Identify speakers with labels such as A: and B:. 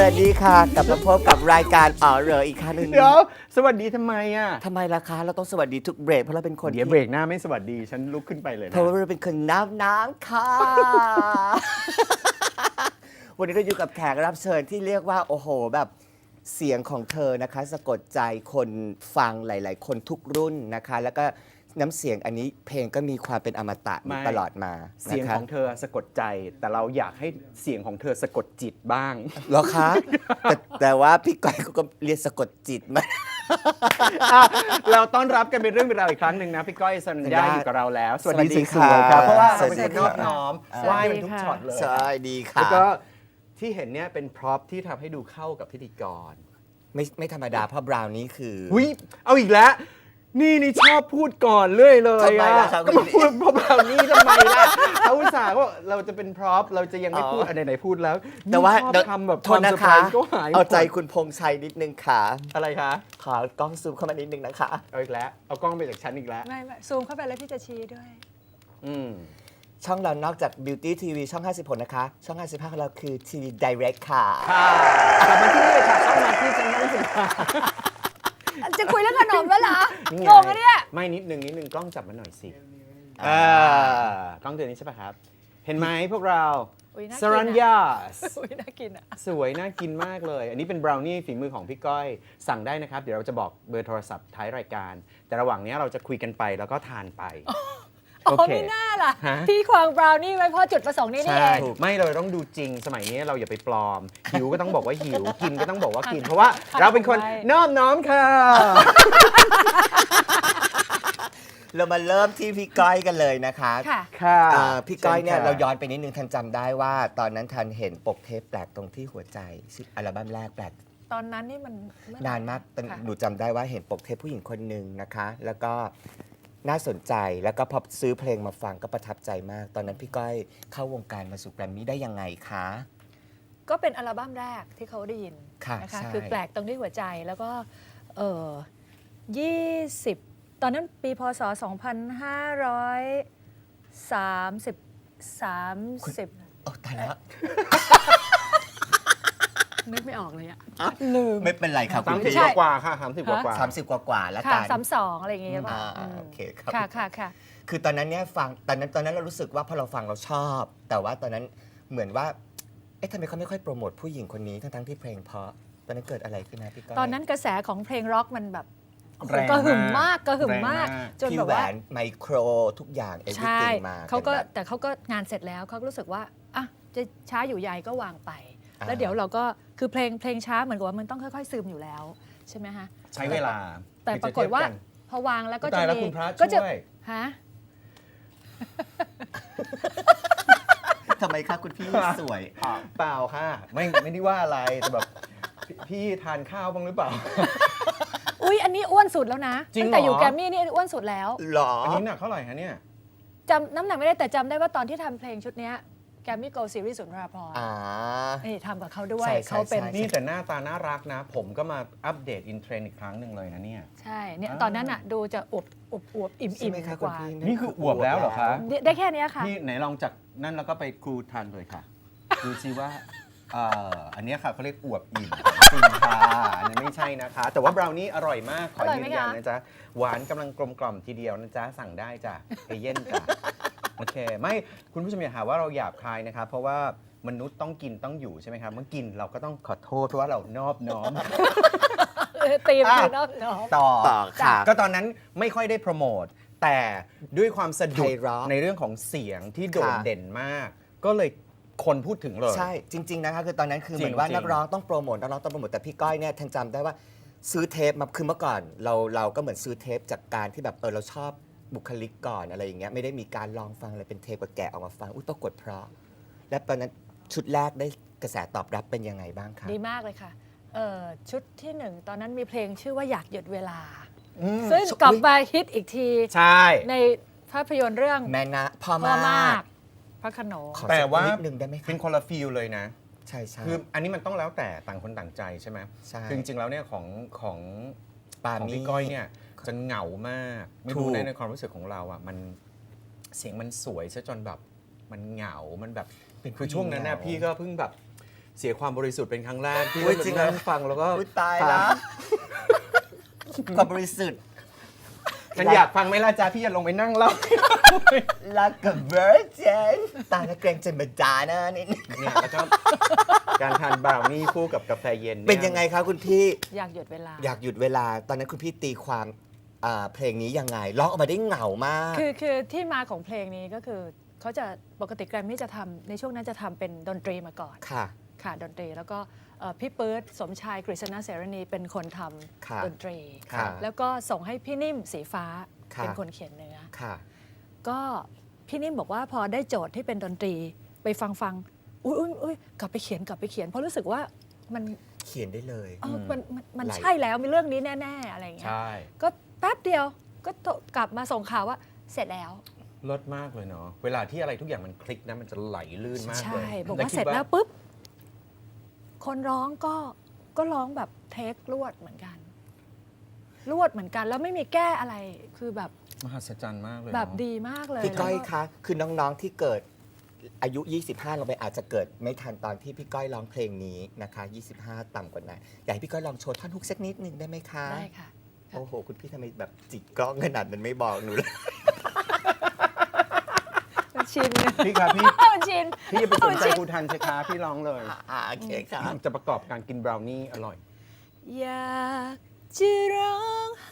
A: วัสดีค่ะกลับมาพบกับรายการอ๋อเหรออีกครั้งหนึง
B: เดี๋ยวสวัสดีทำไมอ่ะ
A: ทำไมล่ะคะเราต้องสวัสดีทุกเบรกเพราะเราเป็นคน
B: เดี๋ยวเบรกหน้าไม่สวัสดีฉันลุกขึ้นไปเลย
A: เพ
B: นะ
A: ราะว่าเราเป็นคนน้ำค่ะ วันนี้เราอยู่กับแขกรับเชิญที่เรียกว่าโอ้โหแบบเสียงของเธอนะคะสะกดใจคนฟังหลาย ๆ คนทุกรุ่นนะคะ แล้วก็น้ำเสียงอันนี้เพลงก็มีความเป็นอมตะอยู่ตลอดมา
B: เสียง
A: นะคะ
B: ของเธอสะกดใจ แต่เราอยากให้เสียงของเธอสะกดจิตบ้าง
A: เหรอคะ แต่ว่าพี่ก้อยเขาก็เรียนสะกดจิตมา
B: เราต้อนรับกันเป็นเรื่องเป็นราวอีกครั้งหนึ่งนะพี่ก้อยสัญญาอยู่กับเราแล้ว สวัสดี
A: สวัสดี
B: สวยๆครับ
A: ค่ะ
B: เพราะว่า
A: ส
B: เรา
A: วัส
B: เป็น
A: ดี
B: คนน
A: ค่ะ
B: อบน้อม
C: ส
B: ไห
C: วั
B: ว้
C: สดี
B: มันทุก
C: ค่ะ
B: ช็อตเลย
A: ใช่ดี
B: แล้ว
A: ค่ะ
B: ก็ที่เห็นเนี่ยเป็นพร็อพที่ทำให้ดูเข้ากับพิธีกร
A: ไม่ธรรมดาเพราะบราวนี้คือ
B: อุ้ยเอาอีกแล้ว นี่ชอบพูดก่อนเรื่อยเลย
A: ทำไมล่ะครับ
B: ก็มาพูดเพราะเรานี่ทำไมล่ะเขาอุตส่าห์ว่าเราจะเป็นพร็อพเราจะยังไม่พูด
A: อ๋อ
B: อันไหนๆพูดแล้ว
A: แต่ว่า
B: ชอบทำแบบ
A: โท
B: ควา
A: ษ
B: ม
A: นะ
B: เซอร์ไพร
A: คะ
B: ส์ก็หาย
A: เอาใจ
B: หมด
A: คุณพงษ์ชัยนิดนึงค่ะ
B: อะไรคะ
A: ขอกล้องซูมเข้ามานิดนึงนะคะ
B: เอาอีกแล้ว เอากล้องไปจากฉันอีกแล้ว
C: ไม่ซูมเข้าไปแล้วพี่จะชี้ด้วย
B: อืม
A: ช่องเรานอกจาก Beauty TV ช่อง 56 นะคะ ช่อง 55 ของเราคือ TV Direct ค่ะ
B: ค่ะกลับมาที่นี่เลยค่ะเข้ามาที่ฉันนั่งสิค่ะ
C: จะคุยเรื่องขนมแล้วเหรอ
B: นี่ไ
C: งงอะเนี่ย
B: ไม่นิดนึงกล้องจับมาหน่อยสิ
A: อ่า
B: กล้องตัวนี้ใช่ปะครับ เห็นไหมพวกเรา
C: อุ๊ยน่ากินอะ
B: สรัญญา
C: อุ้ยน่ากินอ่ะ
B: สวยน่ากินมากเลย อันนี้เป็นบราวนี่ฝีมือของพี่ก้อย สั่งได้นะครับ เดี๋ยวเราจะบอกเบอร์โทรศัพท์ท้ายรายการ แต่ระหว่างนี้เราจะคุยกันไปแล้วก็ทานไป
C: อ๋อ
B: โอเค
C: ไม่น่าล่ะ
B: ฮะ
C: พี่ควางบราวนี่ไว้เพราะจุดประสงค์นี้นี่
B: ใช่
C: เอง
B: ไม่เราต้องดูจริงสมัยนี้เราอย่าไปปลอม หิวก็ต้องบอกว่าหิว กินก็ต้องบอกว่ากิน เพราะว่าเราเป็นคนนอบน้อมค่ะ
A: เรามาเริ่มที่พี่ก้อยกันเลยนะคะ
C: ค่ะ
B: ค่ะ
A: พี่ก้อยเนี่ย
B: ชิญค่ะ
A: เราย้อนไปนิดนึงทันจำได้ว่า ตอนนั้นทันเห็นปกเทปแปลกตรงที่หัวใจชื่ออัลบั้มแรกแปลก
C: ตอนนั้นนี่มันเมื่อไหร่
A: นานมากแต่
C: ค่ะ
A: หนูจำได้ว่าเห็นปกเทปผู้หญิงคนหนึ่งนะคะ แล้วก็น่าสนใจแล้วก็พอซื้อเพลงมาฟังก็ประทับใจมาก ตอนนั้นพี่ก้อยเข้าวงการมาสู่แกรมมี่ได้ยังไงคะ
C: ก็เป็นอัลบั้มแรกที่เขาได้ยิน
A: ค่ะ
C: นะคะ
A: ใช่
C: คือแปลกตรงที่หัวใจแล้วก็20 ตอนนั้นปีพศ 2530
A: โอ้ตายแล้ว
C: นึกไม่ออกเลยอะลืม
A: ไม่เป็นไรครับคุณพี่
C: ใช่
B: กว่าค่ะ30กว่า
A: 30 กว่าๆแล้ว
C: ค่ะ
A: กัน
C: 32อะไรอย่างเงี้ยป่ะ
A: โอเคครับ
C: ค่ะ
A: คือตอนนั้นเนี่ยฟังตอนนั้นเรารู้สึกว่าพอเราฟังเราชอบ แต่ว่าตอนนั้นเหมือนว่าเอ๊ะทำไมเขาไม่ค่อยโปรโมทผู้หญิงคนนี้ทั้งที่เพลงเพราะตอนนั้นเกิดอะไรขึ้นนะพี่ก้อย
C: ตอนนั้นกระแสของเพลงร็อกมันแบบโอ้โห
B: แรง
C: กระหึ่มมากกระหึ่ม
B: แรง
C: มาก
B: มาก
C: จน
A: พี่
C: แบบ
A: แหว
C: ว่าน
A: ไมโครทุกอย่างเอ
C: ใช่
A: วิติงมา
C: เขาก็
A: ป็นแบบ
C: แต่เขาก็งานเสร็จแล้วเขาก็รู้สึกว่าอ่ะจะช้าอยู่ใหญ่ก็วางไป
A: อ่า
C: แล้วเดี๋ยวเราก็คือเพลงช้าเหมือนกับว่ามันต้องค่อยๆซึมอยู่แล้วใช่ไหมฮะ
B: ใช้เวลา
C: แต่ปรากฏว่าพอวางแล้วก็จะ
B: ตายแล้ว
C: มี
B: คุณพระ
C: ก็จะ
B: ช่วย
C: ฮะ
A: ทำไมคะคุณพี่สวย
B: เปล่าค่ะ ไม่ได้ว่าอะไรแต่แบบพี่ทานข้าวบ้างหรือเปล่า
C: อุ๊ยอันนี้อ้วนสุดแล้วนะ
B: จริง
C: ตั้งแต่
B: เหรอ
C: อยู่แกรมมี่นี่อ้วนสุดแล้ว
A: หรอ
B: อันนี้หนักเท่าไหร่คะเนี่ย
C: จำน้ำหนักไม่ได้แต่จำได้ว่าตอนที่ทำเพลงชุดเนี้ยแกรมมี่โกลซีรีส์สุนทราภรณ์
A: อ่า
C: นี่ทำกับเขาด้วย
A: ใช่
C: เขาเป็น
A: ใช่
B: นี่แต่หน้าตาน่ารักนะ ผมก็มาอัปเดตอินเทรนด์อีกครั้งหนึ่งเลยนะเนี่ย
C: ใช่เนี่ย
B: อ่า
C: ตอนนั้นอ่ะดูจะอวบอิ่ม
A: ใช่ไหมคะ
C: ก
A: คุณ
C: ว่า
A: พี่
B: นี่คืออวบแล้วเหรอคะ
C: ได้แค่เนี้ยค่ะ
B: นี่ไหนลองจากนั่นแล้วก็ไปครูทานเลยค่ะ ดูซิว่าอันเนี้ยค่ะเขาเรียกอวบอิ่มจริงค่ะอันนี้ไม่ใช่นะคะ แต่ว่าบราวนี่อร่อยมาก ขอ
C: อร่อย
B: ยื
C: ไหม
B: นยัน
C: คะ
B: นะจ๊ะ หวานกำลังกลมกล่อมทีเดียวนะจ๊ะ สั่งได้จ้ะเอเย่นจ้ะ โอเค ไม่คุณผู้ชมอย่าหาว่าเราหยาบคายนะครับ เพราะว่ามนุษย์ต้องกินต้องอยู่ใช่ไหมครับ เมื่อกินเราก็ต้องขอโทษเพราะว่าเรานอบน้อม
C: ตีม
B: อ่ะ
C: คือนอกเนาะ
B: ต่อ
A: ต่อค่ะ
B: ก็ตอนนั้นไม่ค่อยได้โปรโมท แต่ด้วยความสะดุด
A: ไพเราะ
B: ในเรื่องของเสียงที่โดด
A: ค่ะ
B: เด่นมาก ก็เลยคนพูดถึงเลย
A: ใช่จริง ๆ นะคะคือตอนนั้นคือเหมือนว่า
B: จริงๆ
A: นักร้องต้องโปรโมทนักร้องต้องโปรโมทแต่พี่ก้อยเนี่ยทันจำได้ว่าซื้อเทปมาคือเมื่อก่อนเราก็เหมือนซื้อเทปจากการที่แบบเราชอบบุคลิกก่อนอะไรอย่างเงี้ยไม่ได้มีการลองฟังอะไรเป็นเทปกับแกะออกมาฟังอุ้ยปรากฏเพราะ และตอนนั้นชุดแรกได้กระแสตอบรับเป็นยังไงบ้างคะ
C: ดีมากเลยค่ะชุดที่หนึ่งตอนนั้นมีเพลงชื่อว่าอยากหยุดเวลา
A: อืม
C: ซึ่งกลับมาฮิตอีกที
B: ใช่
C: ในภาพยนตร์เรื่อง
A: แม่นะพ่อ
C: พ่อ
A: มาม
C: าก กพระโขนง
A: ขอ
B: แต่ว่า
A: นิดนึงได้ไหม
B: เป็น
A: คะ
B: คนละฟีลเลยนะ
A: ใช่ใช่
B: คืออันนี้มันต้องแล้วแต่ต่างคนต่างใจใช่ไหม
A: ใช่
B: คือจริงๆแล้วเนี่ยของ
A: ปา
B: ของ
A: มี่
B: พี่ก้อยเนี่ยจะเหงามาก ไม่
A: ถู
B: รู้
A: ก
B: นะในความรู้สึกของเราอ่ะมันเสียงมันสวยซะจนแบบมันเหงา มันแบบคือช่วงนั้นน่ะพี่ก็เพิ่งแบบเสียความบริสุทธิ์เป็นครั้งแรกที่
A: อุ๊ยจริงเหรอ
B: นั่งฟังแล้วก็
A: อุ๊ยตายแล้ว ความบริสุทธิ์
B: ฉันอยากฟังไหมล่ะจ๊ะพี่จะลงไปนั่งเล่า
A: รักกับเวอร์เจนตายแล้วเกรงใจมาจานะนี่
B: เนี่ยแล้วก็การทานบราวนี่คู่กับกาแฟเย็นย
A: เป็นยังไงคะคุณพี่
C: อยากหยุดเวลา
A: อยากหยุดเวลา ตอนนั้นคุณพี่ตีความเพลงนี้ยังไง ร้องออกมาได้เหงามาก
C: คือที่มาของเพลงนี้ก็คือเขาจะปกติแกรมมี่จะทำในช่วงนั้นจะทำเป็นดนตรีมาก่อน
A: ค่ะ
C: ค่ะดนตรีแล้วก็พี่เปิร์ดสมชายกฤษณะเสรณีเป็นคนท
A: ค่ะ
C: ำดนตรี
A: ค่ะ
C: แล้วก็ส่งให้พี่นิ่มสีฟ้า
A: ค่ะ
C: เป็นคนเขียนเนื้อ
A: ค่ะ
C: ก็พี่นิ่มบอกว่าพอได้โจทย์ที่เป็นดนตรีไปฟังอุ้ยกลับไปเขียนเพราะรู้สึกว่ามัน
A: เขียนได้เลย
C: มัน
A: ไหล
C: ใช่แล้วมีเรื่องนี้แน่ๆอะไรอย่างเงี้ย
B: ใช่
C: ก็แป๊บเดียวก็กลับมาส่งข่าวว่าเสร็จแล้ว
B: เลิศมากเลยเนาะเวลาที่อะไรทุกอย่างมันคลิกนะมันจะไหลลื่นมากเลย
C: ใช่บอก
B: แล้
C: ว่า
B: คิด
C: เสร็จแล้วปุ๊บ คนร้องก็ร้องแบบเทครวดเหมือนกัน แล้วไม่มีแก้อะไรคือแบบ
B: มหัศจรรย์มากเลย
C: แบบ
B: เนอะ
C: ดีมากเลย
A: พี่ก้อย
C: แล้ว
A: คะ คือน้องๆที่เกิดอายุ 25 เราไปอาจจะเกิดไม่ทันตอนที่พี่ก้อยร้องเพลงนี้นะคะ 25 ต่ำกว่านั้นอยากให้พี่ก้อยลองโชว์ท่อนฮุกสักนิดหนึ่งได้ไหมคะ
C: ได้ค่ะ
A: โอ้โห คุณพี่ทำไมแบบจิกกล้องขนาดนั้นไม่บอกหนูเลย
C: มันชิน
B: พี่ครับพี่
C: มันชิน
B: พี่อย่าไปสนใจครูทันสิคะพี่ร้องเลย
A: โอเคค่ะ
B: จะประกอบการกินบราวนี่อร่อย
C: อยากจะร้อง